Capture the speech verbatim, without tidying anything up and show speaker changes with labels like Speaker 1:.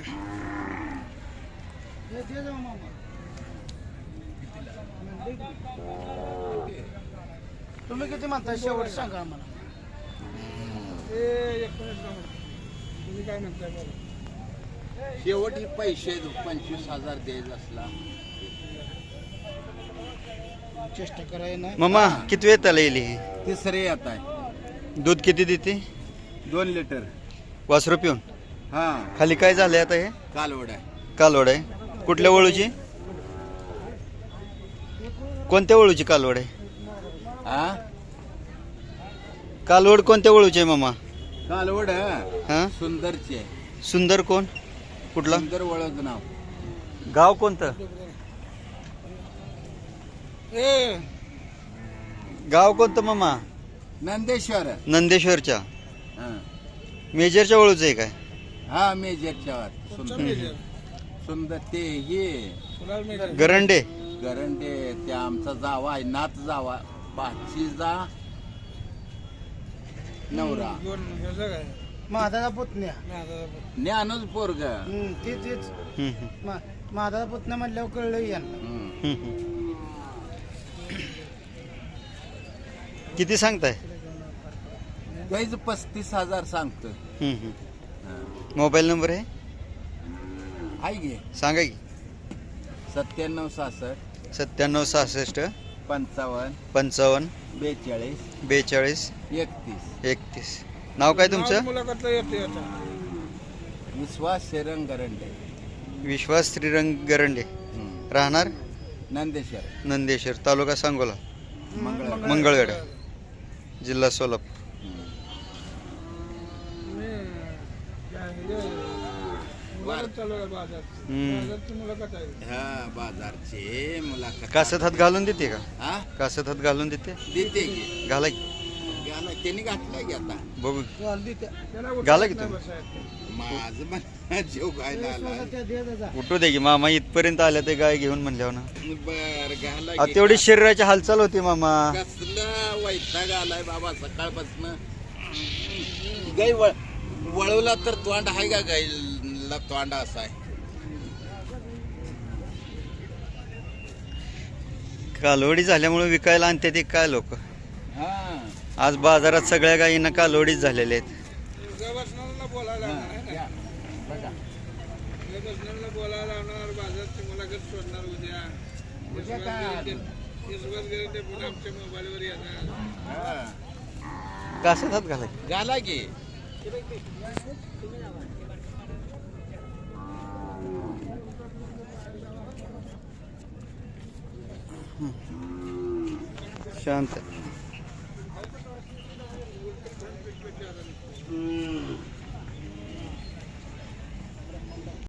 Speaker 1: तुम्ही किती म्हणताय शेवट सांगा आम्हाला. तुम्ही काय म्हणताय?
Speaker 2: शेवट ही पैसे पंचवीस हजार द्यायचा असला
Speaker 1: चेष्टा कराय ना.
Speaker 3: मामा किती वेळ त्याला येईल ही?
Speaker 2: तिसरे येत आहे.
Speaker 3: दूध किती देते?
Speaker 2: दोन लिटर.
Speaker 3: वासरू पिऊन
Speaker 2: हा
Speaker 3: खाली काय झालंय आता? हे
Speaker 2: कालवड आहे.
Speaker 3: कालवड आहे. कुठल्या वळूची? कोणत्या वळूची कालवड आहे?
Speaker 2: हा
Speaker 3: कालवड कोणत्या वळूची आहे मामा?
Speaker 2: कालवड
Speaker 3: हा
Speaker 2: सुंदरची आहे.
Speaker 3: सुंदर कोण? कुठला
Speaker 2: सुंदर वळद नाव.
Speaker 3: गाव कोणतं? गाव कोणतं मामा?
Speaker 2: नंदेश्वर.
Speaker 3: नंदेश्वरच्या
Speaker 2: हा
Speaker 3: मेजरच्या वळूचं आहे काय?
Speaker 2: हा मेजरच्या वर. सुंदर सुंदर ते हे
Speaker 3: गरंडे
Speaker 2: गरंडे ते आमचा जावा आहे. नात जावा पाचीचा नवरा
Speaker 1: महादाचा पुतण्या.
Speaker 2: ज्ञानच पोरग.
Speaker 1: हम्म, ते तेच
Speaker 3: हम्म, हम्म,
Speaker 1: मा- महादाचा पुतण्या म्हणल्यावर कळलं यांना.
Speaker 3: हम्म, हम्म. किती सांगताय?
Speaker 2: त्याच पस्तीस हजार सांगतो.
Speaker 3: हम्म, हम्म. मोबाईल नंबर आहे
Speaker 2: आहे गे
Speaker 3: सांगा की.
Speaker 2: सत्त्याण्णव सहासष्ट
Speaker 3: सत्त्याण्णव सहासष्ट
Speaker 2: पंचावन्न
Speaker 3: पंचावन्न
Speaker 2: बेचाळीस
Speaker 3: बेचाळीस
Speaker 2: एकतीस.
Speaker 3: एकतीस. नाव काय तुमचं?
Speaker 2: विश्वास शेरंग गरंडे.
Speaker 3: विश्वास श्रीरंग गरंडे. राहणार
Speaker 2: नंदेश्वर.
Speaker 3: नंदेश्वर तालुका सांगोला
Speaker 2: मंगळ.
Speaker 3: मंगळवेढा जिल्हा सोलापूर. हम्म.
Speaker 2: हा बाजारचे मुलाखत.
Speaker 3: कासत हात घालून देते का?
Speaker 2: हा
Speaker 3: कासत हात घालून देते?
Speaker 2: देते की.
Speaker 3: घाला की
Speaker 2: घाला त्यांनी घातला की आता.
Speaker 3: बघू.
Speaker 1: चालली त्या.
Speaker 3: घाला की तुम्ही.
Speaker 2: माझं पण जीव घायला आला.
Speaker 1: त्या दे जा.
Speaker 3: उठू दे की मामा इथपर्यंत आल्या ते गाय घेऊन म्हणल्यावर ना.
Speaker 2: बर घाला
Speaker 3: अहो,
Speaker 2: की.
Speaker 3: तेवढी शरीराची हालचाल होती मामा.
Speaker 2: कसला वैताग आलाय बाबा सकाळपासून. गाई वळ वळवला तर तोंड आहे का गाईला? तोंड असा आहे.
Speaker 3: कालवडी झाल्यामुळे विकायला आणते ते काय लोक.
Speaker 2: हा
Speaker 3: आज बाजारात सगळ्या गायींना कालवडीच झालेले आहेत.
Speaker 2: या, बघा. उद्या काय आलं? हा.
Speaker 3: कासत हात घाला.
Speaker 2: घाला की.
Speaker 3: शांत.